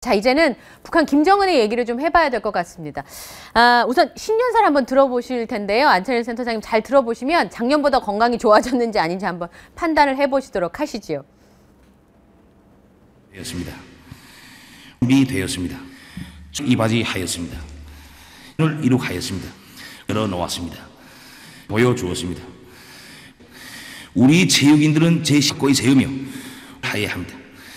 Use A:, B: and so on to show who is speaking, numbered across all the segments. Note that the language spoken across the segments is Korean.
A: 자, 이제는 북한 김정은의 얘기를 좀 해봐야 될 것 같습니다. 우선 신년사를 한번 들어보실 텐데요. 안철현 센터장님 잘 들어보시면 작년보다 건강이 좋아졌는지 아닌지 한번 판단을 해보시도록 하시지요.
B: 되었습니다. 준비되었습니다. 이바지하였습니다. 오늘 이룩하였습니다. 열어놓았습니다. 보여주었습니다. 우리 체육인들은 제 식구에 세우며 하여야 합니다.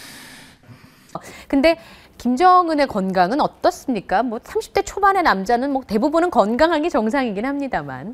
A: 근데 김정은의 건강은 어떻습니까? 뭐 30대 초반의 남자는 뭐 대부분은 건강한 게 정상이긴 합니다만.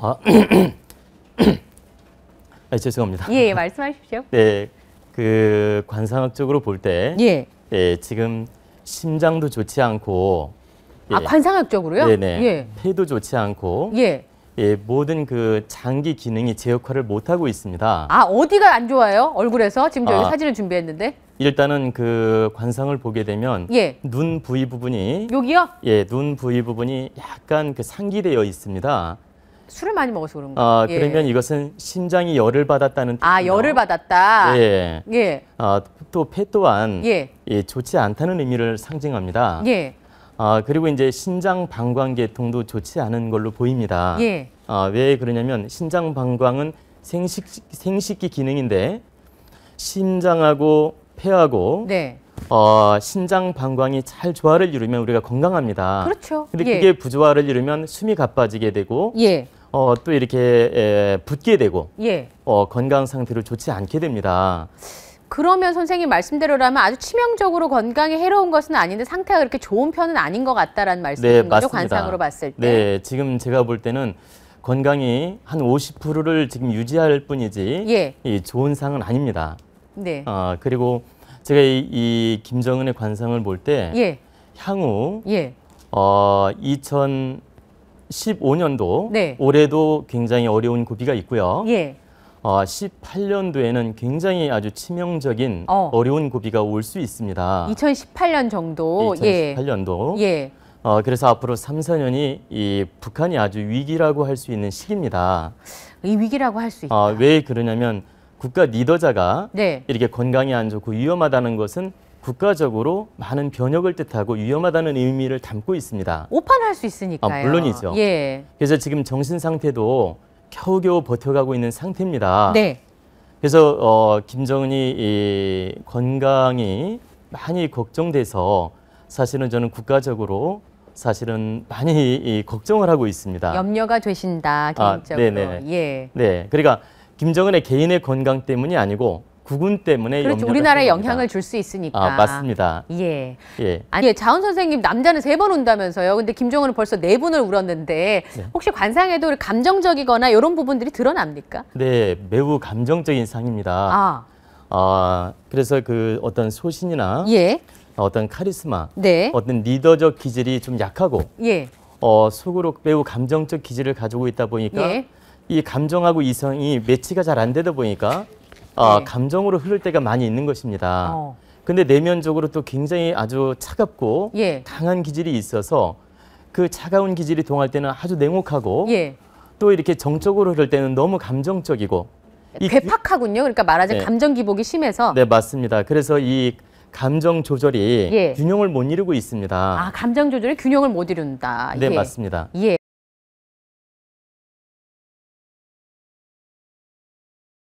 C: 죄송합니다.
A: 예, 말씀하십시오.
C: 네, 그 관상학적으로 볼 때, 지금 심장도 좋지 않고,
A: 관상학적으로요?
C: 네네, 폐도 좋지 않고, 모든 그 장기 기능이 제 역할을 못 하고 있습니다.
A: 어디가 안 좋아요? 얼굴에서 지금 저희 사진을 준비했는데.
C: 일단은 그 관상을 보게 되면 눈 부위 부분이
A: 여기요?
C: 눈 부위 부분이 약간 그 상기되어 있습니다.
A: 술을 많이 먹어서 그런가?
C: 그러면 이것은 심장이 열을 받았다는 뜻이에요.
A: 열을 받았다.
C: 또 폐 또한 좋지 않다는 의미를 상징합니다. 그리고 이제 신장 방광계통도 좋지 않은 걸로 보입니다. 왜 그러냐면 신장 방광은 생식기 기능인데 심장하고 폐하고 신장 방광이 잘 조화를 이루면 우리가 건강합니다.
A: 그렇죠.
C: 근데 그게 부조화를 이루면 숨이 가빠지게 되고 또 이렇게 붓게 되고 건강 상태로 좋지 않게 됩니다.
A: 그러면 선생님 말씀대로라면 아주 치명적으로 건강에 해로운 것은 아닌데 상태가 그렇게 좋은 편은 아닌 것 같다라는 말씀이신 거죠? 관상으로 봤을 때.
C: 네, 지금 제가 볼 때는 건강이 한 50%를 지금 유지할 뿐이지 좋은 상은 아닙니다. 그리고 제가 이 김정은의 관상을 볼 때 향후 2015년도 올해도 굉장히 어려운 고비가 있고요. 18년도에는 굉장히 아주 치명적인 어려운 고비가 올 수 있습니다.
A: 2018년 정도.
C: 2018년도. 그래서 앞으로 3, 4년이 이 북한이 아주 위기라고 할 수 있는 시기입니다.
A: 이 위기라고 할 수 있다.
C: 왜 그러냐면 국가 리더자가 이렇게 건강이 안 좋고 위험하다는 것은 국가적으로 많은 변혁을 뜻하고 위험하다는 의미를 담고 있습니다.
A: 오판할 수 있으니까요.
C: 물론이죠. 그래서 지금 정신 상태도 겨우겨우 버텨가고 있는 상태입니다. 그래서 김정은이 이 건강이 많이 걱정돼서 사실은 저는 국가적으로 사실은 많이 걱정을 하고 있습니다.
A: 염려가 되신다, 개인적으로.
C: 그러니까 김정은의 개인의 건강 때문이 아니고 국군 때문에
A: 그렇죠. 우리나라에 영향을 줄 수 있으니까.
C: 맞습니다.
A: 아니, 자훈 선생님 남자는 3번 운다면서요. 근데 김정은은 벌써 4분을 울었는데 혹시 관상에도 감정적이거나 이런 부분들이 드러납니까?
C: 네, 매우 감정적인 상입니다. 그래서 그 어떤 소신이나 어떤 카리스마, 어떤 리더적 기질이 좀 약하고 속으로 매우 감정적 기질을 가지고 있다 보니까 이 감정하고 이성이 매치가 잘 안 되다 보니까 감정으로 흐를 때가 많이 있는 것입니다. 근데 내면적으로 또 굉장히 아주 차갑고 강한 기질이 있어서 그 차가운 기질이 동할 때는 아주 냉혹하고 또 이렇게 정적으로 흐를 때는 너무 감정적이고
A: 괴팍하군요. 그러니까 말하자면 감정 기복이 심해서.
C: 네, 맞습니다. 그래서 이 감정 조절이 균형을 못 이루고 있습니다.
A: 감정 조절이 균형을 못 이룬다.
C: 네, 맞습니다.